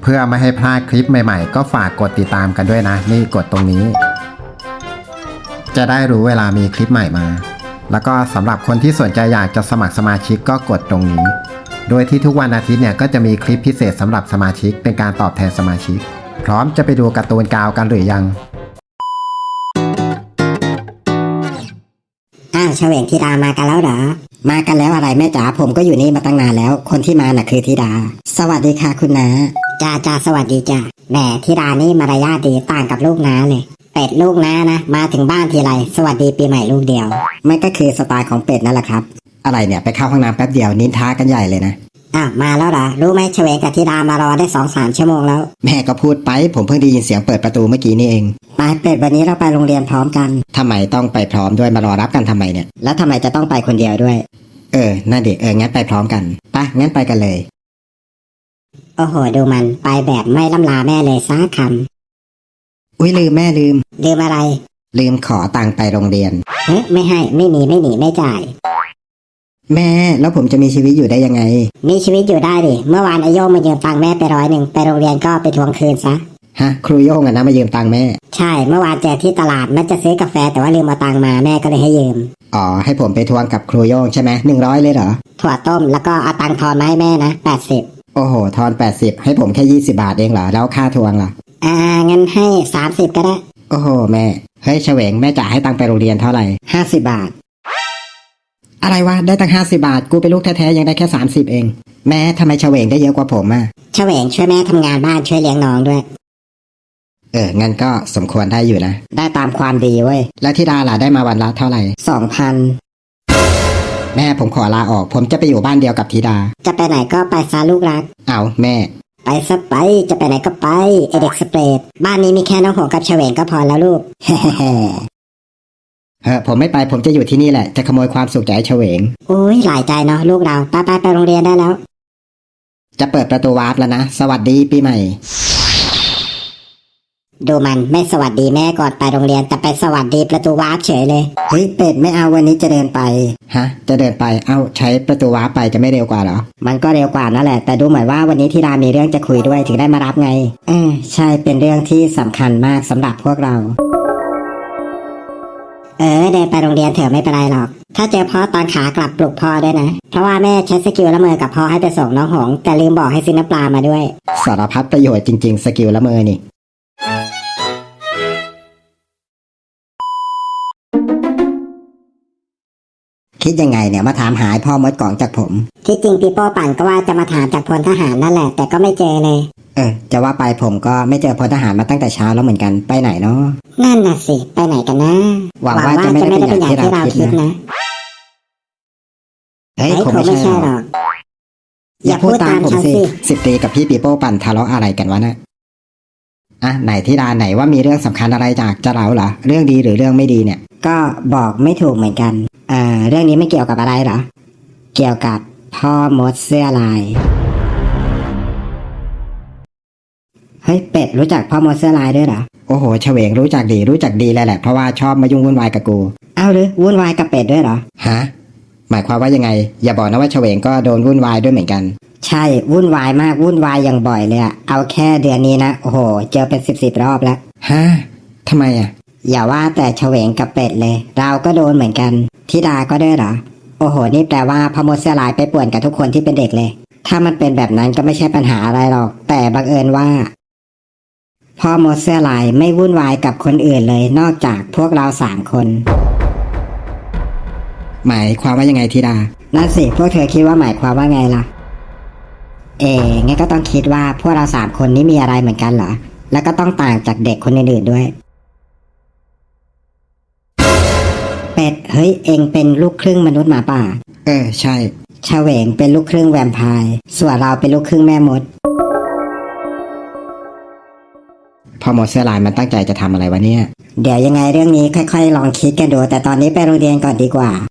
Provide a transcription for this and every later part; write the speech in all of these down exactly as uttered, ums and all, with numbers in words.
เพื่อไม่ให้พลาดคลิปใหม่ๆก็ฝากกดติดตามกันด้วยนะนี่กดตรงนี้จะได้รู้เวลามีคลิปใหม่มาแล้วก็สำหรับคนที่สนใจอยากจะสมัครสมาชิกก็กดตรงนี้โดยที่ทุกวันอาทิตย์เนี่ยก็จะมีคลิปพิเศษสำหรับสมาชิกเป็นการตอบแทนสมาชิกพร้อมจะไปดูการ์ตูนกาวกันหรือยังอ้าวเฉวงธิดามากันแล้วเหรอมากันแล้วอะไรแม่จ๋าผมก็อยู่นี่มาตั้งนานแล้วคนที่มาน่ะคือธิดาสวัสดีค่ะคุณน้าจ้าจ้าสวัสดีจ้าแหมธิดานี่มารยาทดีต่างกับลูกน้าเลยเป็ดลูกน้านะมาถึงบ้านทีไรสวัสดีปีใหม่ลูกเดียวมันก็คือสไตล์ของเป็ดนั่นแหละครับอะไรเนี่ยไปเข้าห้องน้ำแป๊บเดียวนินทากันใหญ่เลยนะอ้าวมาแล้วเหรอรู้ไหมเฉวงกับธิดามารอได้สองสามชั่วโมงแล้วแม่ก็พูดไปผมเพิ่งได้ยินเสียงเปิดประตูเมื่อกี้นี่เองไปเป็ดวันนี้เราไปโรงเรียนพร้อมกันทำไมต้องไปพร้อมด้วยมารอรับกันทำไมเนี่ยแล้วทำไมจะต้องไปคนเดียวด้วยเออน่าเด็กเอองั้นไปพร้อมกันไปงั้นไปกันเลยโอ้โหดูมันไปแบบไม่ล่ำลาแม่เลยซักคำอุ้ยลืมแม่ลืมลืมอะไรลืมขอตังค์ไปโรงเรียนเฮ้ยไม่ให้ไม่มีไม่หนีไม่จ่ายแม่แล้วผมจะมีชีวิตอยู่ได้ยังไงมีชีวิตอยู่ได้ดิเมื่อวานไอโยงมายืมตังค์แม่ไปร้อยหนึ่งไปโรงเรียนก็ไปทวงคืนซะฮะครูโยงอะนะมายืมตังค์แม่ใช่เมื่อวานเจอที่ตลาดแม่จะซื้อกาแฟแต่ว่าลืมเอาตังค์มาแม่ก็เลยให้ยืมอ๋อให้ผมไปทวงกับครูโยงใช่ไหมหนึ่งร้อยเลยเหรอถั่วต้มแล้วก็เอาตังค์ทอนมาให้แม่นะแปดสิบโอ้โหทอนแปดสิบให้ผมแค่ยี่สิบบาทเองเหรอแล้วค่าทวงล่ะอ่างั้นให้สามสิบก็ได้โอ้โหแม่เฮ้ยเฉวงแม่จ่ายให้ตังค์ไปโรงเรียนเท่าไหร่ห้าสิบบาทอะไรวะได้ตั้งห้าสิบบาทกูเป็นลูกแท้ๆยังได้แค่สามสิบเองแม่ทำไมเฉวงได้เยอะกว่าผมอ่ะเฉวงช่วยแม่ทำงานบ้านช่วยเลี้ยงน้องด้วยเอองั้นก็สมควรได้อยู่นะได้ตามความดีเว้ยแล้วธิดาล่ะได้มาวันละเท่าไหร่สองพันแม่ผมขอลาออกผมจะไปอยู่บ้านเดียวกับธิดาจะไปไหนก็ไปซาลูกรักเอาแม่ไปซะไปจะไปไหนก็ไปไอเด็กสเปรดบ้านนี้มีแค่น้องหงกับเฉวงก็พอแล้วลูกเฮ้เฮ้ผมไม่ไปผมจะอยู่ที่นี่แหละจะขโมยความสุขจากไอ้เฉวงโอ้ยหลายใจเนาะลูกเราไปไปไปโรงเรียนได้แล้วจะเปิดประตูวาร์ปแล้วนะสวัสดีปีใหม่ดูมันไม่สวัสดีแม่ก่อนไปโรงเรียนแต่ไปสวัสดีประตูวาร์ปเฉยเลยเฮ้ยเป็ดไม่เอาวันนี้จะเดินไปฮะจะเดินไปเอ้าใช้ประตูวาร์ปไปจะไม่เร็วกว่าเหรอมันก็เร็วกว่านั่นแหละแต่ดูเหมือนว่าวันนี้ที่รามีเรื่องจะคุยด้วยถึงได้มารับไงเออใช่เป็นเรื่องที่สำคัญมากสำหรับพวกเราเออเดินไปโรงเรียนเถอะไม่เป็นไรหรอกถ้าเจอพ่อตอนขากลับปลุกพ่อด้วยนะเพราะว่าแม่ใช้สกิลละเมอกับพ่อให้ไปส่งน้องหงแต่ลืมบอกให้ซื้อน้ำปลามาด้วยสารพัดประโยชน์จริงๆสกิลละเมอนี่คิดยังไงเนี่ยมาถามหาพ่อมดกล่องจากผมที่จริงปีโป้ปั่นก็ว่าจะมาถามจากพลทหารนั่นแหละแต่ก็ไม่เจอเลยเออจะว่าไปผมก็ไม่เจอพลทหารมาตั้งแต่เช้าแล้วเหมือนกันไปไหนเนาะนั่นน่ะสิไปไหนกันนะหวังว่าจะไม่ได้เป็นอย่างที่เราคิดนะเฮ้ยคงไม่ใช่หรอกอย่าพูดตามผมสิสิบตีกับพี่ปีโป้ปั่นทะเลาะอะไรกันวะนะอ่ะไหนที่ดาไหนว่ามีเรื่องสำคัญอะไรจากจะเล่าเหรอเรื่องดีหรือเรื่องไม่ดีเนี่ยก็บอกไม่ถูกเหมือนกันอ่าเรื่องนี้ไม่เกี่ยวกับอะไรเหรอเกี่ยวกับพ่อมดเสื้อลายเฮ้ยเป็ดรู้จักพ่อมดเสื้อลายด้วยเหรอโอ้โหเฉวงรู้จักดีรู้จักดีเลยแหละเพราะว่าชอบมายุ่งวุ่นวายกับกูอ้าวหรือวุ่นวายกับเป็ดด้วยเหรอฮะหมายความว่ายังไงอย่าบอกนะว่าเฉวงก็โดนวุ่นวายด้วยเหมือนกันใช่วุ่นวายมากวุ่นวายอย่างบ่อยเลยอะเอาแค่เดือนนี้นะโอ้โหเจอเป็นสิบสิบรอบแล้วฮะทำไมอะอย่าว่าแต่เฉวงกับเป็ดเลยเราก็โดนเหมือนกันธิดาก็ด้วยเหรอโอ้โหนี่แปลว่าพ่อมดเสื้อลายไปป่วนกับทุกคนที่เป็นเด็กเลยถ้ามันเป็นแบบนั้นก็ไม่ใช่ปัญหาอะไรหรอกแต่บังเอิญว่าพ่อมดเสื้อลายไม่วุ่นวายกับคนอื่นเลยนอกจากพวกเราสามคนหมายความว่ายังไงธิดานั่นสิพวกเธอคิดว่าหมายความว่าไงล่ะเอ๋งั้นก็ต้องคิดว่าพวกเราสามคนนี้มีอะไรเหมือนกันเหรอแล้วก็ต้องต่างจากเด็กคนอื่นๆด้วยเป็ดเฮ้ยเองเป็นลูกครึ่งมนุษย์หมาป่าเออใช่เฉวงเป็นลูกครึ่งแวมไพร์ส่วนเราเป็นลูกครึ่งแม่มดพ่อมดเสื้อลายมันตั้งใจจะทำอะไรวะเนี่ยเดี๋ยวยังไงเรื่องนี้ค่อยๆลองคิดกันดูแต่ตอนนี้ไปโรงเรียนก่อนดีกว่า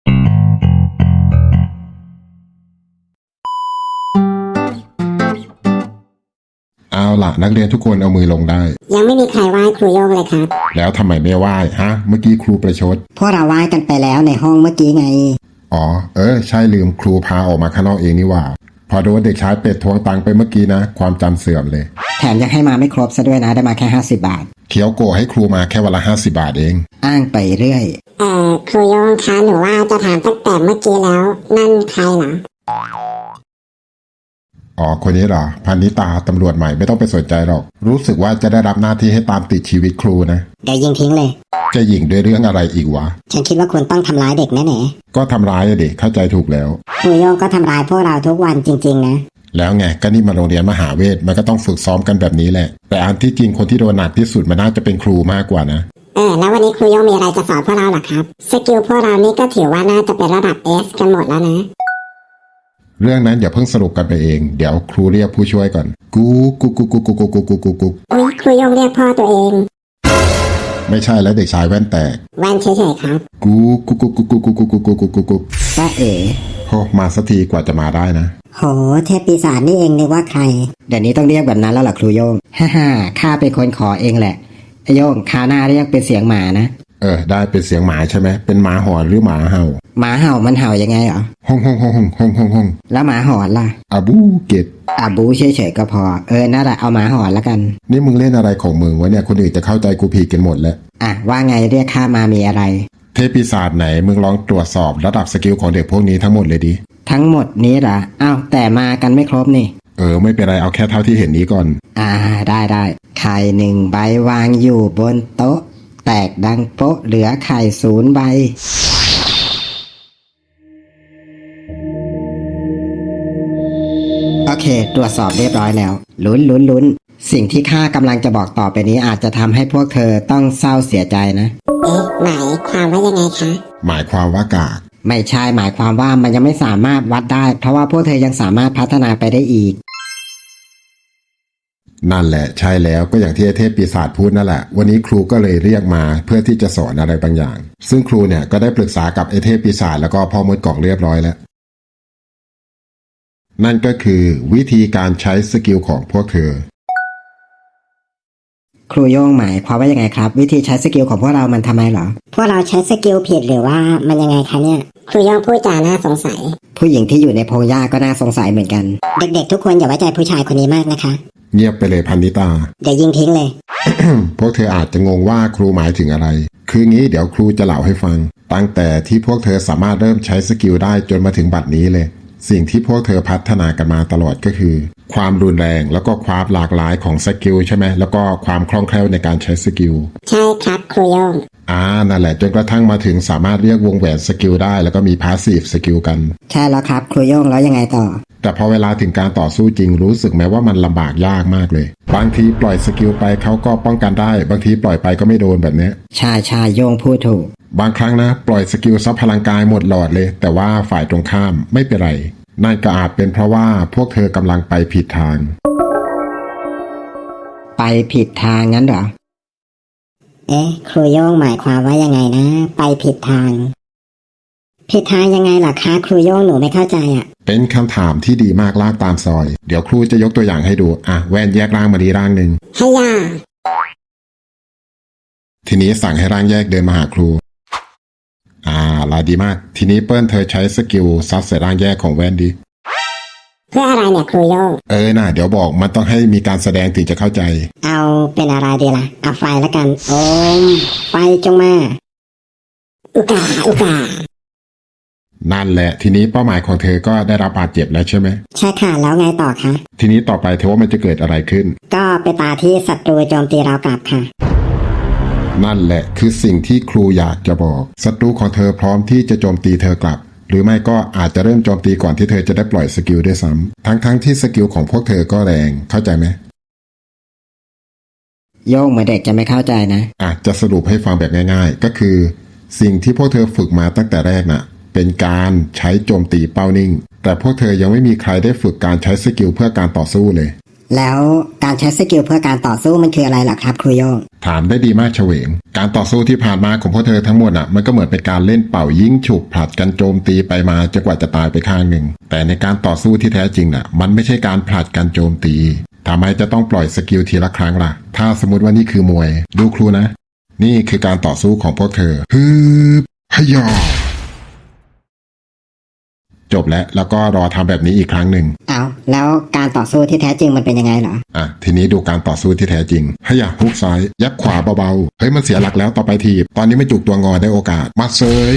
เอาล่ะนักเรียนทุกคนเอามือลงได้ยังไม่มีใครไหว้ครูโยงเลยครับแล้วทำไมไม่ไหว้ฮะเมื่อกี้ครูประชดพวกเราไหว้กันไปแล้วในห้องเมื่อกี้ไงอ๋อเออใช่ลืมครูพาออกมาข้างนอกเองนี่ว่าพอโดนเด็กชายเป็ดทวงตังค์ไปเมื่อกี้นะ ความจำเสื่อมเลยแถมยังให้มาไม่ครบซะด้วยนะได้มาแค่ห้าสิบบาทเคียวโกะให้ครูมาแค่วันละห้าสิบาทเองอ้างไปเรื่อยเอ่อครูโยงคะหนูว่าจะถามตั้งแต่เมื่อกี้แล้ว นั่นใครเหรออ๋อคนนี้เหรอพันนิตาตำรวจใหม่ไม่ต้องไปสนใจหรอก รู้สึกว่าจะได้รับหน้าที่ให้ตามติดชีวิตครูนะเดี๋ยวยิงทิ้งเลยจะหยิ่งด้วยเรื่องอะไรอีกวะฉันคิดว่าคุณต้องทำร้ายเด็กแน่ก็ทำร้ายอะเด็กเข้าใจถูกแล้วๆครูโยงก็ทำร้ายพวกเราทุกวันจริงๆนะแล้วไงก็นี่มาโรงเรียนมหาเวทมันก็ต้องฝึกซ้อมกันแบบนี้แหละ แต่อันที่จริงคนที่โดนหนักที่สุดมันน่าจะเป็นครูมากกว่านะเออแล้ววันนี้ครูโยงมีอะไรจะสอนพวกเราเหรอครับสกิลพวกเรานี่ก็ถือว่าน่าจะเป็นระดับ S กันหมดแล้วนะเรื่องนั้นอย่าเพิ่งสรุปกันไปเองเดี๋ยวครูเรียกผู้ช่วยก่อนกูกูกูกูกูกูกูกูกูกูอุ๊ยครูโยงเรียกพ่อตัวเองไม่ใช่แล้วเด็กชายแว่นแตกแว่นเฉยๆครับกูกูกูกูกูกูกูกูกูกูกูกูจ้าเอ๋โหมาสักทีกว่าจะมาได้นะโหเทพปีศาจนี่เองนึกว่าใคร เดี๋ยวนี้ต้องเรียกแบบนั้นแล้วล่ะครูโยง ฮ่าฮ่าข้าเป็นคนขอเองแหละไอโยงคราวหน้าเรียกเป็นเสียงหมานะเออได้เป็นเสียงหมาใช่ไหมเป็นหมาหอนหรือหมาเห่าหมาเห่ามันเห่ายังไงเหรอฮ่องฮ่องฮ่องฮ่องฮ่องฮ่องฮ่องแล้วหมาหอนล่ะอาบูเกตอาบูเฉยๆก็พอ เออนั่นแหละเอาหมาหอนแล้วกันนี่มึงเล่นอะไรของมึงวะเนี่ยคนอื่นจะเข้าใจกูผิดกันหมดแล้วอ่ะว่าไงเรียกข้ามามีอะไรเทพปีศาจไหนมึงลองตรวจสอบระดับสกิลของเด็กพวกนี้ทั้งหมดเลยดิทั้งหมดนี้เหรออ้าวแต่มากันไม่ครบนี่เออไม่เป็นไรเอาแค่เท่าที่เห็นนี้ก่อนอ่าได้ได้ไข่หนึ่งใบวางอยู่บนโต๊ะ แตกดังโป๊ะเหลือไข่ศูนย์ใบ โอเค ตรวจสอบเรียบร้อยแล้ว ลุ้นลุ้นลุ้นสิ่งที่ข้ากำลังจะบอกต่อไปนี้อาจจะทำให้พวกเธอต้องเศร้าเสียใจนะเอ๊ะหมายความว่ายังไงคะหมายความว่ากากไม่ใช่หมายความว่ามันยังไม่สามารถวัดได้ เพราะว่าพวกเธอยังสามารถพัฒนาไปได้อีกนั่นแหละใช่แล้วก็อย่างที่ไอ้เทพปีศาจพูดนั่นแหละวันนี้ครูก็เลยเรียกมาเพื่อที่จะสอนอะไรบางอย่าง ซึ่งครูเนี่ยก็ได้ปรึกษากับไอ้เทพปีศาจแล้วก็พ่อมดกล่องเรียบร้อยแล้ว นั่นก็คือวิธีการใช้สกิลของพวกเธอครูโย่งหมายความว่ายังไงครับ วิธีใช้สกิลของพวกเรามันทำไมเหรอพวกเราใช้สกิลผิดหรือว่ามันยังไงคะเนี่ยครูโยงพูดจาน่าสงสัยผู้หญิงที่อยู่ในพงหญ้าก็น่าสงสัยเหมือนกันเด็กๆทุกคนอย่าไว้ใจผู้ชายคนนี้มากนะคะเงียบไปเลยพันนิตาเดี๋ยวยิงทิ้งเลยพวกเธออาจจะงงว่าครูหมายถึงอะไร คืองี้เดี๋ยวครูจะเล่าให้ฟัง ตั้งแต่ที่พวกเธอสามารถเริ่มใช้สกิลได้จนมาถึงบัดนี้เลย สิ่งที่พวกเธอพัฒนากันมาตลอดก็คือ ความรุนแรงแล้วก็ความหลากหลายของสกิลใช่ไหมแล้วก็ความคล่องแคล่วในการใช้สกิลใช่ครับครูโยงอ่านั่นแหละจนกระทั่งมาถึงสามารถเรียกวงแหวนสกิลได้แล้วก็มีพาสซีฟสกิลกันใช่แล้วครับครูโย่งแล้วยังไงต่อแต่พอเวลาถึงการต่อสู้จริงรู้สึกไหมว่ามันลำบากยากมากเลย บางทีปล่อยสกิลไปเขาก็ป้องกันได้ บางทีปล่อยไปก็ไม่โดนแบบเนี้ยใช่ใช่โย่งพูดถูกบางครั้งนะปล่อยสกิลซับพลังกายหมดหลอดเลย แต่ว่าฝ่ายตรงข้ามไม่เป็นไรนั่นก็อาจเป็นเพราะว่าพวกเธอกำลังไปผิดทางไปผิดทางงั้นเหรอเอ๊ะครูโยงหมายความว่ายังไงนะ ไปผิดทาง ผิดทางยังไงล่ะคะครูโยงหนูไม่เข้าใจอ่ะเป็นคำถามที่ดีมากลากตามซอย เดี๋ยวครูจะยกตัวอย่างให้ดูอ่ะแว่นแยกร่างมาดีร่างหนึ่งให้ย่าทีนี้สั่งให้ร่างแยกเดินมาหาครูอ่าลาดีมากทีนี้เปิ้ลเธอใช้สกิลซัดใส่ร่างแยกของแว่นดีเพื่ออะไรเนี่ยครูโยงเออน่ะเดี๋ยวบอกมันต้องให้มีการแสดงถึงจะเข้าใจเอาเป็นอะไรดีล่ะเอาไฟแล้วกันโอมไฟจงมา อุกาอุกานั่นแหละทีนี้เป้าหมายของเธอก็ได้รับบาดเจ็บแล้วใช่ไหมใช่ค่ะแล้วไงต่อคะทีนี้ต่อไปเธอว่ามันจะเกิดอะไรขึ้นก็ไปตาที่ศัตรูโจมตีเรากลับค่ะนั่นแหละคือสิ่งที่ครูอยากจะบอกศัตรูของเธอพร้อมที่จะโจมตีเธอกลับ หรือไม่ก็อาจจะเริ่มโจมตีก่อนที่เธอจะได้ปล่อยสกิลด้วยซ้ำทั้งๆทที่สกิลของพวกเธอก็แรงเข้าใจไหมโย่งเหมือนเด็กจะไม่เข้าใจนะอาจจะสรุปให้ฟังแบบง่ายๆ ก็คือ สิ่งที่พวกเธอฝึกมาตั้งแต่แรกน่ะเป็นการใช้โจมตีเป้านิ่งแต่พวกเธอยังไม่มีใครได้ฝึกการใช้สกิลเพื่อการต่อสู้เลยแล้วการใช้สกิลเพื่อการต่อสู้มันคืออะไรล่ะครับครูโย่งถามได้ดีมากเฉวงการต่อสู้ที่ผ่านมาของพวกเธอทั้งหมดอ่ะมันก็เหมือนเป็นการเล่นเป่ายิงฉุบผลัดกันโจมตีไปมาจนกว่าจะตายไปข้างหนึ่งแต่ในการต่อสู้ที่แท้จริงน่ะมันไม่ใช่การผลัดกันโจมตีทำไมจะต้องปล่อยสกิลทีละครั้งล่ะถ้าสมมติว่านี่คือมวยดูครูนะนี่คือการต่อสู้ของพวกเธอฮึบฮยอจบแล้วแล้วก็รอทำแบบนี้อีกครั้งหนึ่งเอาแล้วการต่อสู้ที่แท้จริงมันเป็นยังไงเหรออ่ะทีนี้ดูการต่อสู้ที่แท้จริงให้อยากฮุกซ้ายยับขวาเบาๆเฮ้ยมันเสียหลักแล้วต่อไปทีบตอนนี้ไม่จุกตัวงอได้โอกาสมาเซย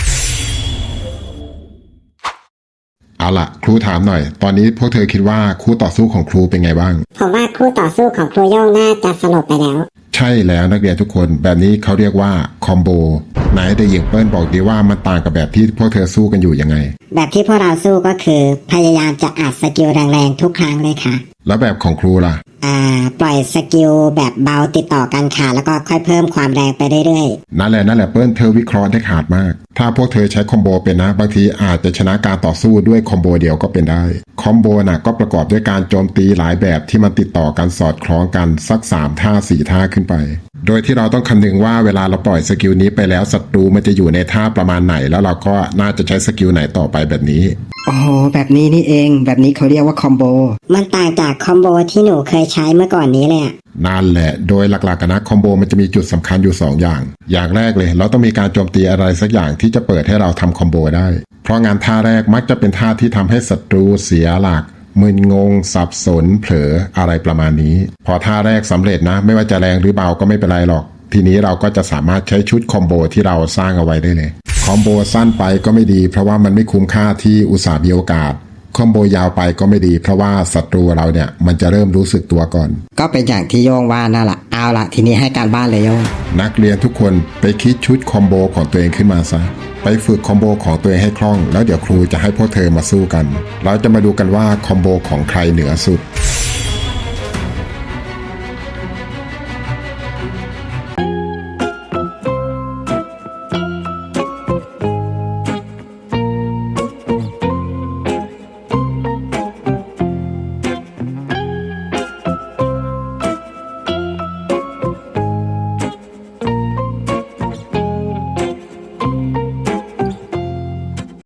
เอาล่ะครูถามหน่อย ตอนนี้พวกเธอคิดว่าคู่ต่อสู้ของครูเป็นไงบ้างผมว่าคู่ต่อสู้ของครูโย่งน่าจะสลบไปแล้วใช่แล้วนักเรียนทุกคนแบบนี้เขาเรียกว่าคอมโบไหนเด็กหญิงเปิ้ลบอกดีว่ามันต่างกับแบบที่พวกเธอสู้กันอยู่ยังไงแบบที่พวกเราสู้ก็คือพยายามจะอัดสกิลแรงๆทุกครั้งเลยค่ะแล้วแบบของครูล่ะอ่า ปล่อยสกิลแบบเบาติดต่อกันค่ะแล้วก็ค่อยเพิ่มความแรงไปเรื่อยนั่นแหละนั่นแหละเปิ้ลเธอวิเคราะห์ได้ขาดมาก ถ้าพวกเธอใช้คอมโบเป็นนะบางทีอาจจะชนะการต่อสู้ด้วยคอมโบเดียวก็เป็นได้คอมโบน่ะก็ประกอบด้วยการโจมตีหลายแบบที่มันติดต่อกันสอดคล้องกันสักสามท่าสี่ท่าขึ้นไป โดยที่เราต้องคำนึงว่าเวลาเราปล่อยสกิลนี้ไปแล้วศัตรูมันจะอยู่ในท่าประมาณไหน แล้วเราก็น่าจะใช้สกิลไหนต่อไปแบบนี้โอ้โหแบบนี้นี่เองแบบนี้เขาเรียกว่าคอมโบๆ มันต่างจากคอมโบที่หนูเคยใช้เมื่อก่อนนี้เลยอะนั่นแหละโดยหลักๆกันนะคอมโบมันจะมีจุดสำคัญอยู่สองอย่าง อย่างแรกเลยเราต้องมีการโจมตีอะไรสักอย่างที่จะเปิดให้เราทำคอมโบได้ เพราะงานท่าแรกมักจะเป็นท่าที่ทำให้ศัตรูเสียหลักมึนงงสับสนเผลออะไรประมาณนี้ พอท่าแรกสำเร็จนะไม่ว่าจะแรงหรือเบาก็ไม่เป็นไรหรอก ทีนี้เราก็จะสามารถใช้ชุดคอมโบที่เราสร้างเอาไว้ได้เลยคอมโบสั้นไปก็ไม่ดีเพราะว่ามันไม่คุ้มค่าที่อุตส่าห์มีโอกาสคอมโบยาวไปก็ไม่ดีเพราะว่าศัตรูเราเนี่ยมันจะเริ่มรู้สึกตัวก่อนก็เป็นอย่างที่โยงว่านั่นแหละเอาละทีนี้ให้การบ้านเลยโยงนักเรียนทุกคนไปคิดชุดคอมโบของตัวเองขึ้นมาซะไปฝึกคอมโบของตัวเองให้คล่องแล้วเดี๋ยวครูจะให้พวกเธอมาสู้กันเราจะมาดูกันว่าคอมโบของใครเหนือสุด